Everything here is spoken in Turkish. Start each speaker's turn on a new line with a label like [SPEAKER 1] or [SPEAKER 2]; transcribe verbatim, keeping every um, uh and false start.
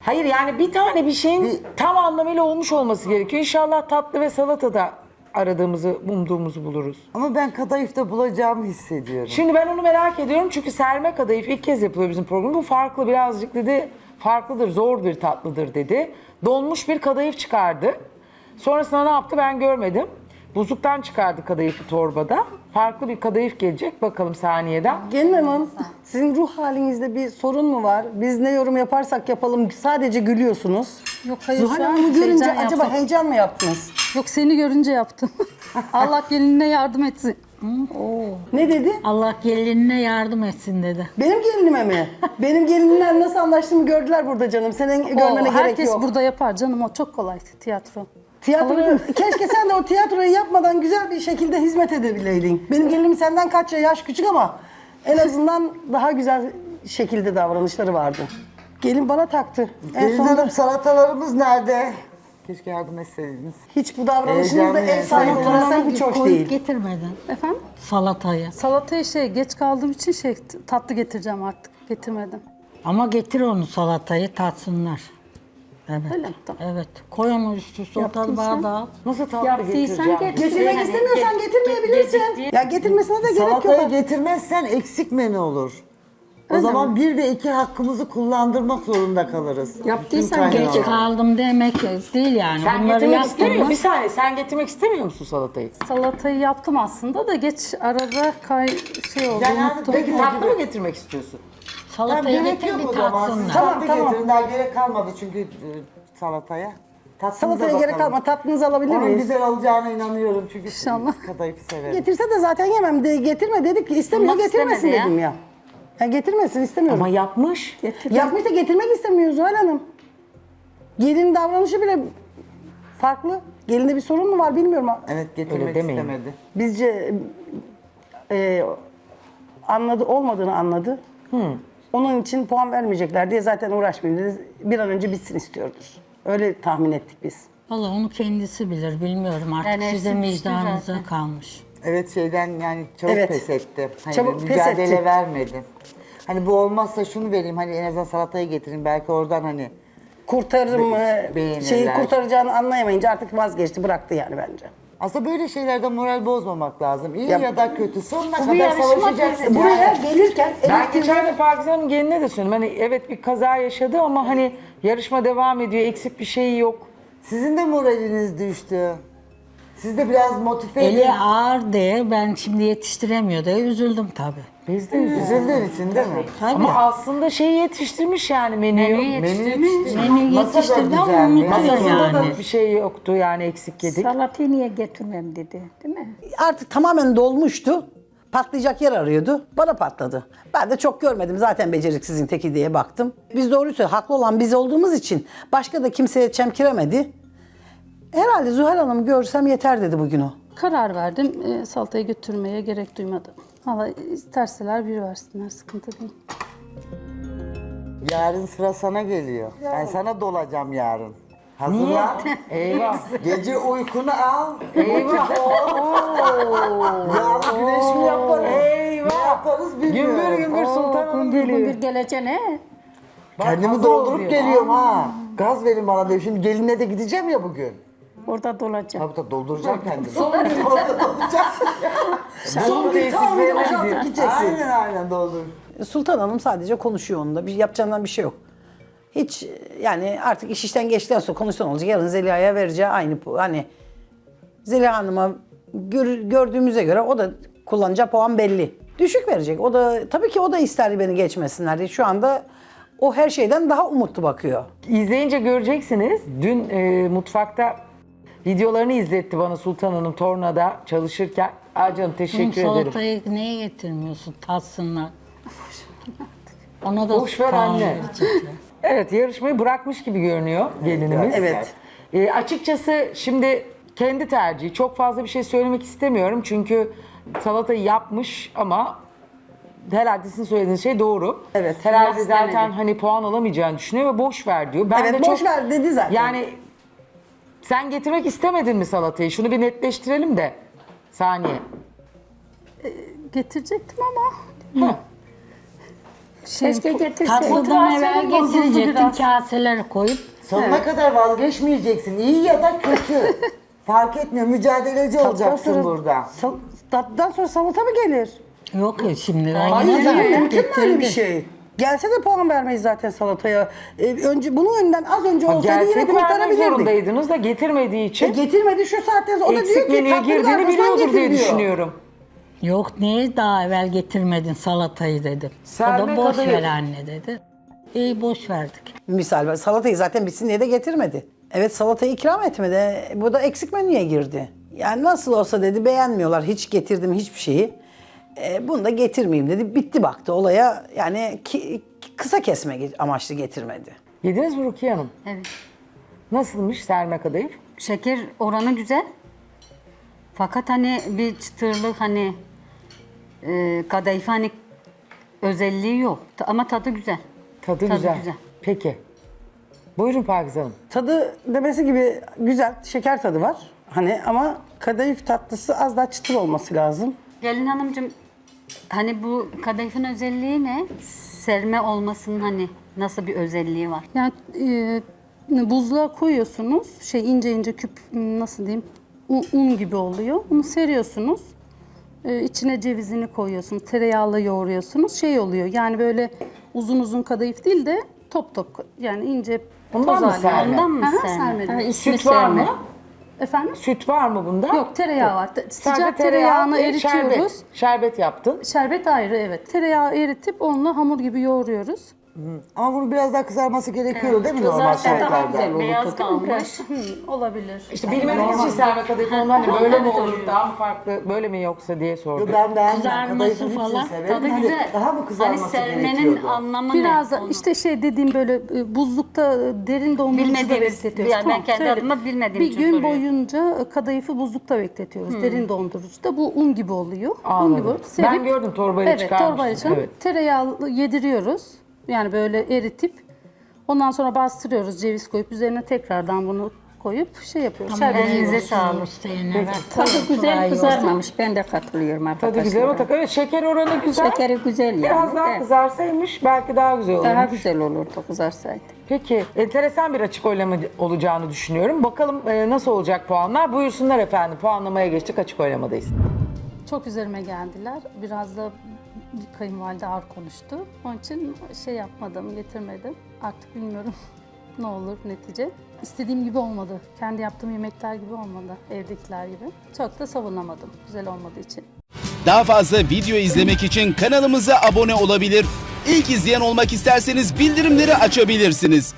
[SPEAKER 1] Hayır yani bir tane bir şeyin
[SPEAKER 2] Bir-
[SPEAKER 1] tam anlamıyla olmuş olması gerekiyor. İnşallah tatlı ve salatada aradığımızı, umduğumuzu buluruz.
[SPEAKER 2] Ama ben kadayıfta bulacağımı hissediyorum.
[SPEAKER 1] Şimdi ben onu merak ediyorum çünkü serme kadayıf ilk kez yapılıyor bizim programda. Bu farklı birazcık dedi, farklıdır, zor bir tatlıdır dedi. Donmuş bir kadayıf çıkardı. Sonrasında ne yaptı ben görmedim. Buzluktan çıkardı kadayıfı torbada. Farklı bir kadayıf gelecek bakalım saniyeden.
[SPEAKER 3] Gelin Hanım, sizin ruh halinizde bir sorun mu var? Biz ne yorum yaparsak yapalım sadece gülüyorsunuz.
[SPEAKER 4] Yok hayır
[SPEAKER 3] Zuhal
[SPEAKER 4] şu an
[SPEAKER 3] Hanım'ı görünce
[SPEAKER 4] heyecan
[SPEAKER 3] acaba
[SPEAKER 4] yaptım.
[SPEAKER 3] heyecan mı yaptınız?
[SPEAKER 4] Yok seni görünce yaptım. Allah gelinine yardım etsin.
[SPEAKER 3] Ne dedi?
[SPEAKER 5] Allah gelinine yardım etsin dedi.
[SPEAKER 3] Benim gelinime mi? Benim gelinimle nasıl anlaştığımı gördüler burada canım. Senin
[SPEAKER 4] O,
[SPEAKER 3] görmene gerek
[SPEAKER 4] herkes
[SPEAKER 3] yok.
[SPEAKER 4] burada yapar canım, o çok kolay tiyatro.
[SPEAKER 3] Tiyatro,
[SPEAKER 4] Olur.
[SPEAKER 3] keşke sen de o tiyatroyu yapmadan güzel bir şekilde hizmet edebileydin. Benim gelinim senden kaç yaş küçük ama en azından daha güzel şekilde davranışları vardı. Gelin bana taktı. En
[SPEAKER 2] Gelin
[SPEAKER 3] sonunda
[SPEAKER 2] Hanım salatalarımız nerede? Keşke yardım etseydiniz.
[SPEAKER 3] hiç bu davranışınız da
[SPEAKER 2] Heyecanlı
[SPEAKER 3] ev sahibi
[SPEAKER 2] yani.
[SPEAKER 3] olarak hiç hoş
[SPEAKER 5] Koyup
[SPEAKER 3] değil.
[SPEAKER 5] getirmedin
[SPEAKER 4] Efendim?
[SPEAKER 5] salatayı.
[SPEAKER 4] Salataya şey geç kaldığım için şey tatlı getireceğim artık. Getirmedim.
[SPEAKER 5] Ama getir onu salatayı tatsınlar. Evet.
[SPEAKER 4] Öyle mi? Tamam.
[SPEAKER 5] Evet. Koy onu üstü sotal
[SPEAKER 4] Yaptıysan-
[SPEAKER 5] bardağa.
[SPEAKER 1] Nasıl tatlı
[SPEAKER 6] Yaptıysan
[SPEAKER 1] getireceğim?
[SPEAKER 6] getir.
[SPEAKER 3] Getirmek
[SPEAKER 6] Yani
[SPEAKER 3] istemiyorsan
[SPEAKER 6] ge-
[SPEAKER 3] getirmeyebilirsin.
[SPEAKER 6] geciktiği-
[SPEAKER 3] Ya getirmesine de gerek
[SPEAKER 2] Salatayı
[SPEAKER 3] yok.
[SPEAKER 2] getirmezsen eksik menü olur. O zaman bir ve iki hakkımızı kullandırmak zorunda kalırız.
[SPEAKER 6] Yaptıysan
[SPEAKER 2] Bütün
[SPEAKER 5] Geç
[SPEAKER 2] kaynağı.
[SPEAKER 5] kaldım demek değil yani.
[SPEAKER 1] Sen
[SPEAKER 5] Bunları
[SPEAKER 1] getirmek istemiyor
[SPEAKER 5] yaptım.
[SPEAKER 1] musun? Bir saniye sen getirmek istemiyor musun salatayı?
[SPEAKER 4] Salatayı yaptım aslında da geç arada kay şey oldu.
[SPEAKER 2] Yani
[SPEAKER 4] unuttum.
[SPEAKER 1] Peki tatlı mı getirmek istiyorsun?
[SPEAKER 2] Tamam,
[SPEAKER 5] Salatayı
[SPEAKER 2] gerek
[SPEAKER 5] getir
[SPEAKER 2] yok
[SPEAKER 5] bir
[SPEAKER 2] o zaman.
[SPEAKER 5] tatsınlar.
[SPEAKER 2] Siz
[SPEAKER 3] Tamam,
[SPEAKER 2] tatlı
[SPEAKER 3] tamam.
[SPEAKER 2] getirin. Daha gerek kalmadı çünkü e, salataya. Tatlımıza
[SPEAKER 3] Salataya gerek
[SPEAKER 2] bakalım.
[SPEAKER 3] kalma. Tatlınızı alabilir
[SPEAKER 2] Onun
[SPEAKER 3] miyiz?
[SPEAKER 2] güzel olacağına inanıyorum çünkü
[SPEAKER 4] İnşallah.
[SPEAKER 2] kadayıfı severim.
[SPEAKER 3] Getirse de zaten yemem. De, getirme dedik ki istemiyor
[SPEAKER 6] Bulmak
[SPEAKER 3] getirmesin
[SPEAKER 6] istemedi ya.
[SPEAKER 3] dedim ya. Ya getirmesin istemiyorum.
[SPEAKER 1] Ama yapmış.
[SPEAKER 3] Yapmış da getirmek istemiyor Zuhal Hanım. Gelinin davranışı bile farklı. Gelinde bir sorun mu var bilmiyorum.
[SPEAKER 2] Evet, getirmek
[SPEAKER 1] Öyle demeyin.
[SPEAKER 2] istemedi.
[SPEAKER 3] Bizce e, anladı olmadığını anladı. Onun için puan vermeyecekler diye zaten uğraşmayayım dedi. Bir an önce bitsin istiyordur. Öyle tahmin ettik biz.
[SPEAKER 5] Valla onu kendisi bilir bilmiyorum artık
[SPEAKER 6] Yani
[SPEAKER 5] sizin
[SPEAKER 6] hepsi
[SPEAKER 5] vicdanınıza
[SPEAKER 6] zaten.
[SPEAKER 5] kalmış.
[SPEAKER 2] Evet şeyden yani çabuk
[SPEAKER 3] Evet.
[SPEAKER 2] pes etti. Hani
[SPEAKER 3] Çabuk pes
[SPEAKER 2] mücadele
[SPEAKER 3] etti.
[SPEAKER 2] vermedi. Hani bu olmazsa şunu vereyim hani en azından salatayı getireyim belki oradan hani
[SPEAKER 3] Kurtarır mı,
[SPEAKER 2] beğenirler.
[SPEAKER 3] şeyi kurtaracağını anlayamayınca artık vazgeçti, bıraktı yani bence.
[SPEAKER 2] aslında böyle şeylerde moral bozmamak lazım. İyi
[SPEAKER 3] Ya-
[SPEAKER 2] ya, da kötü sonuna
[SPEAKER 6] bir
[SPEAKER 2] kadar
[SPEAKER 6] yarışma
[SPEAKER 2] savaşacaksın.
[SPEAKER 6] teyze.
[SPEAKER 3] Buraya
[SPEAKER 2] Yani.
[SPEAKER 3] gelirken
[SPEAKER 1] Ben
[SPEAKER 3] elektriği-
[SPEAKER 1] geçen de Pakize Hanım'ın geline de söyledim. Hani evet bir kaza yaşadı ama hani yarışma devam ediyor. Eksik bir şey yok.
[SPEAKER 2] Sizin de moraliniz düştü. Siz de biraz motive edin.
[SPEAKER 5] Eli ağır diye ben şimdi yetiştiremiyor diye üzüldüm tabii.
[SPEAKER 1] Biz de üzüldük.
[SPEAKER 2] Üzüldüğün için değil mi?
[SPEAKER 5] Tabii.
[SPEAKER 1] Ama aslında şeyi yetiştirmiş yani menüyü.
[SPEAKER 6] Menüyü
[SPEAKER 2] Menü
[SPEAKER 6] yetiştirmiş.
[SPEAKER 2] yetiştirmiş.
[SPEAKER 5] Menü
[SPEAKER 2] Masa da
[SPEAKER 5] yetiştirdi ama
[SPEAKER 2] güzel,
[SPEAKER 5] unutuyor
[SPEAKER 2] masasında
[SPEAKER 5] yani.
[SPEAKER 2] da-
[SPEAKER 1] Da bir şey yoktu yani eksik yedik.
[SPEAKER 6] Salatayı niye getirmem dedi, değil mi?
[SPEAKER 3] artık tamamen dolmuştu. Patlayacak yer arıyordu. Bana patladı. Ben de çok görmedim. Zaten beceriksizin teki diye baktım. Biz doğruyu söylüyoruz. Haklı olan biz olduğumuz için başka da kimseye çemkiremedi. Herhalde Zuhal Hanım'ı görsem yeter dedi bugün o.
[SPEAKER 4] Karar verdim. E, salatayı götürmeye gerek duymadım. Valla isterseler bir versinler, sıkıntı değil.
[SPEAKER 2] Yarın sıra sana geliyor. Ben sana dolacağım yarın. Hazırlan.
[SPEAKER 1] Eyvah.
[SPEAKER 2] Gece uykunu al.
[SPEAKER 1] Eyvah.
[SPEAKER 2] Yağlı güneş mi yaparız?
[SPEAKER 1] Eyvah.
[SPEAKER 2] Ne yaparız bilmiyorum.
[SPEAKER 1] Gümbür gümbür Sultan Hanım geliyor.
[SPEAKER 6] Bir geleceğine.
[SPEAKER 2] Kendimi
[SPEAKER 1] hazır
[SPEAKER 2] doldurup
[SPEAKER 1] oluyor.
[SPEAKER 2] geliyorum ha. Gaz verin bana diyor. Şimdi gelinle de gideceğim ya bugün.
[SPEAKER 6] Orada dolacak.
[SPEAKER 2] Tabii tabii dolduracağım kendimi. Orada dolduracağım.
[SPEAKER 1] Son tesislerine gidiyor.
[SPEAKER 3] Gideceksin.
[SPEAKER 2] Aynen aynen doldur.
[SPEAKER 3] Sultan Hanım sadece konuşuyor onunla. Bir yapacağından bir şey yok. Hiç yani artık iş işten geçtikten sonra konuşsan olacak. Yarın Zeliha'ya vereceği aynı pu- hani Zeliha Hanım'a gör- gördüğümüze göre o da kullanacağı puan belli. Düşük verecek. O da tabii ki o da ister beni geçmesinler diye. Şu anda o her şeyden daha umutlu bakıyor.
[SPEAKER 1] İzleyince göreceksiniz. Dün e, mutfakta videolarını izletti bana Sultan Hanım tornada çalışırken. Aa canım
[SPEAKER 5] Oğlum
[SPEAKER 1] teşekkür ederim.
[SPEAKER 5] salatayı niye getirmiyorsun tatsınlar. Ona da
[SPEAKER 1] Boş ver
[SPEAKER 5] puan
[SPEAKER 1] anne.
[SPEAKER 5] verecekler.
[SPEAKER 1] Evet yarışmayı bırakmış gibi görünüyor gelinimiz.
[SPEAKER 3] Evet.
[SPEAKER 1] E, açıkçası şimdi kendi tercihi. Çok fazla bir şey söylemek istemiyorum. Çünkü salatayı yapmış ama herhalde sizin söylediğiniz şey doğru.
[SPEAKER 3] Evet.
[SPEAKER 1] Herhalde
[SPEAKER 6] Yok
[SPEAKER 1] zaten
[SPEAKER 6] demedi.
[SPEAKER 1] hani puan alamayacağını düşünüyor ve boş ver diyor. Ben
[SPEAKER 3] Evet,
[SPEAKER 1] de
[SPEAKER 3] boş
[SPEAKER 1] çok,
[SPEAKER 3] ver dedi zaten.
[SPEAKER 1] Yani sen getirmek istemedin mi salatayı? Şunu bir netleştirelim de. Saniye.
[SPEAKER 4] Getirecektim ama
[SPEAKER 1] Heh.
[SPEAKER 6] Keşke getirseydin.
[SPEAKER 5] Tatlıdan evvel
[SPEAKER 4] Motivasyonum bozuldu
[SPEAKER 5] getirecektin
[SPEAKER 4] biraz.
[SPEAKER 5] kaseleri koyup.
[SPEAKER 2] Sonuna kadar vazgeçmeyeceksin. İyi ya da kötü. Fark etmiyor. Mücadeleci olacaksın
[SPEAKER 3] sonra-
[SPEAKER 2] burada.
[SPEAKER 3] Sal- tatlıdan sonra salata mı gelir?
[SPEAKER 5] Yok ya şimdi.
[SPEAKER 3] Hayır
[SPEAKER 5] Aynen
[SPEAKER 3] canım,
[SPEAKER 5] öyle.
[SPEAKER 3] mümkün mü öyle bir
[SPEAKER 5] Getirdi.
[SPEAKER 3] şey? Gelse de puan vermeyiz zaten salataya. Ee, önce bunun önden az önce
[SPEAKER 1] Ha,
[SPEAKER 3] olsaydı yine
[SPEAKER 1] gelseydi vermek
[SPEAKER 3] kurtarabilirdik.
[SPEAKER 1] zorundaydınız da getirmediği
[SPEAKER 3] E,
[SPEAKER 1] için
[SPEAKER 3] getirmedi şu saatten sonra. O da diyor
[SPEAKER 1] eksik
[SPEAKER 3] ki
[SPEAKER 1] menüye
[SPEAKER 3] tatlının
[SPEAKER 1] girdiğini
[SPEAKER 3] arkasından
[SPEAKER 1] biliyordur
[SPEAKER 3] getir
[SPEAKER 1] diye
[SPEAKER 3] diyor.
[SPEAKER 1] düşünüyorum.
[SPEAKER 5] Yok niye daha evvel getirmedin salatayı dedim.
[SPEAKER 1] Serme
[SPEAKER 5] o da boş
[SPEAKER 1] kadayıf.
[SPEAKER 5] ver anne dedi. İyi boş verdik.
[SPEAKER 3] Misal salatayı zaten bitsin diye de getirmedi. Evet salatayı ikram etmedi. Bu da eksik menüye girdi. Yani nasıl olsa dedi beğenmiyorlar. Hiç getirdim hiçbir şeyi. E, bunu da getirmeyeyim dedi. Bitti baktı olaya. Yani ki, kısa kesme amaçlı getirmedi.
[SPEAKER 1] Yediniz mi Rukiye Hanım?
[SPEAKER 7] Evet.
[SPEAKER 1] Nasılmış serme kadayıf?
[SPEAKER 7] Şeker oranı güzel. Fakat hani bir çıtırlık hani e, kadayıf hani özelliği yok. Ta- Ama tadı güzel.
[SPEAKER 1] Tadı,
[SPEAKER 7] Tadı
[SPEAKER 1] güzel.
[SPEAKER 7] güzel.
[SPEAKER 1] Peki. Buyurun Pakize Hanım.
[SPEAKER 3] Tadı demesi gibi güzel. Şeker tadı var. Hani ama kadayıf tatlısı az daha çıtır olması lazım.
[SPEAKER 7] Gelin hanımcığım hani bu kadayıfın özelliği ne? Serme olmasının hani nasıl bir özelliği var?
[SPEAKER 4] Yani e, buzluğa koyuyorsunuz. Şey ince ince küp nasıl diyeyim? Un, un gibi oluyor. Bunu seriyorsunuz. E, içine cevizini koyuyorsunuz. Tereyağla yoğuruyorsunuz. Şey oluyor. Yani böyle uzun uzun kadayıf değil de top top yani ince
[SPEAKER 1] Bundan
[SPEAKER 4] toz
[SPEAKER 1] mı
[SPEAKER 4] halinde.
[SPEAKER 1] serme?
[SPEAKER 7] Ondan mı
[SPEAKER 4] Aha,
[SPEAKER 7] serme?
[SPEAKER 4] serme.
[SPEAKER 7] Ha,
[SPEAKER 4] diyor.
[SPEAKER 7] ismi
[SPEAKER 1] Süt var
[SPEAKER 7] serme.
[SPEAKER 1] mı?
[SPEAKER 4] Efendim?
[SPEAKER 1] Süt var mı bunda?
[SPEAKER 4] Yok tereyağı var. Te-
[SPEAKER 1] Sadece
[SPEAKER 4] Sıcak
[SPEAKER 1] tereyağı
[SPEAKER 4] tereyağını
[SPEAKER 1] ve
[SPEAKER 4] eritiyoruz.
[SPEAKER 1] Şerbet. Şerbet yaptın.
[SPEAKER 4] Şerbet ayrı evet. Tereyağı eritip onunla hamur gibi yoğuruyoruz.
[SPEAKER 2] Ama bunun biraz daha kızarması gerekiyor değil mi normal
[SPEAKER 7] Kızarsa daha
[SPEAKER 2] şartlarda?
[SPEAKER 7] güzel, beyaz kalmış.
[SPEAKER 4] Hı, olabilir.
[SPEAKER 1] İşte bilmediğiniz için serme kadayıf ondan hani böyle mi olur, daha mı farklı, böyle mi yoksa diye
[SPEAKER 2] Yo,
[SPEAKER 1] sordum.
[SPEAKER 2] Ben beğendim.
[SPEAKER 5] Kızarması
[SPEAKER 2] Kadayıfın hepsini
[SPEAKER 5] falan.
[SPEAKER 2] severim.
[SPEAKER 7] Tadı
[SPEAKER 2] Hani
[SPEAKER 7] güzel.
[SPEAKER 2] Daha mı
[SPEAKER 7] Hani
[SPEAKER 2] kızarması
[SPEAKER 7] sermenin
[SPEAKER 2] gerekiyordu?
[SPEAKER 7] anlamı
[SPEAKER 4] Biraz
[SPEAKER 7] ne?
[SPEAKER 4] da
[SPEAKER 7] Onu
[SPEAKER 4] işte şey dediğim böyle e, buzlukta e, derin dondurucuda
[SPEAKER 7] Bilmediğimiz,
[SPEAKER 4] bekletiyoruz.
[SPEAKER 7] yani ben kendi
[SPEAKER 4] söyle.
[SPEAKER 7] adıma bilmediğim
[SPEAKER 4] Bir
[SPEAKER 7] için
[SPEAKER 4] gün
[SPEAKER 7] soruyorum.
[SPEAKER 4] boyunca e, kadayıfı buzlukta bekletiyoruz. Derin dondurucuda. Bu un gibi oluyor. Un
[SPEAKER 1] Anladım.
[SPEAKER 4] gibi olup
[SPEAKER 1] Ben
[SPEAKER 4] serip-
[SPEAKER 1] gördüm, torbayla
[SPEAKER 4] evet,
[SPEAKER 1] çıkarmıştın.
[SPEAKER 4] torbayla çıkarıp
[SPEAKER 1] Evet.
[SPEAKER 4] tereyağlı yediriyoruz. Yani böyle eritip ondan sonra bastırıyoruz ceviz koyup üzerine tekrardan bunu koyup şey yapıyoruz. Şerbet
[SPEAKER 7] elinize
[SPEAKER 4] yiyoruz.
[SPEAKER 7] sağlık.
[SPEAKER 5] İsteyenler var.
[SPEAKER 6] Tadı güzel
[SPEAKER 5] Kolay
[SPEAKER 6] kızarmamış. Ben de katılıyorum arkadaşlar.
[SPEAKER 1] Tadı güzel ama tak. Evet, şeker oranı güzel.
[SPEAKER 6] Şekeri güzel yani.
[SPEAKER 1] Biraz daha
[SPEAKER 6] Evet.
[SPEAKER 1] kızarsaymış belki daha güzel olurmuş.
[SPEAKER 6] Daha güzel olurdu kızarsaydı.
[SPEAKER 1] Peki, enteresan bir açık oylama olacağını düşünüyorum. Bakalım e, nasıl olacak puanlar? Buyursunlar efendim. Puanlamaya geçtik, açık oylamadayız.
[SPEAKER 4] Çok üzerime geldiler. Biraz da kayınvalide ağır konuştu. Onun için şey yapmadım, getirmedim. Artık bilmiyorum ne olur netice. İstediğim gibi olmadı. Kendi yaptığım yemekler gibi olmadı. Evdekiler gibi. Çok da savunamadım. Güzel olmadığı için.
[SPEAKER 8] Daha fazla video izlemek için kanalımıza abone olabilir. İlk izleyen olmak isterseniz bildirimleri açabilirsiniz.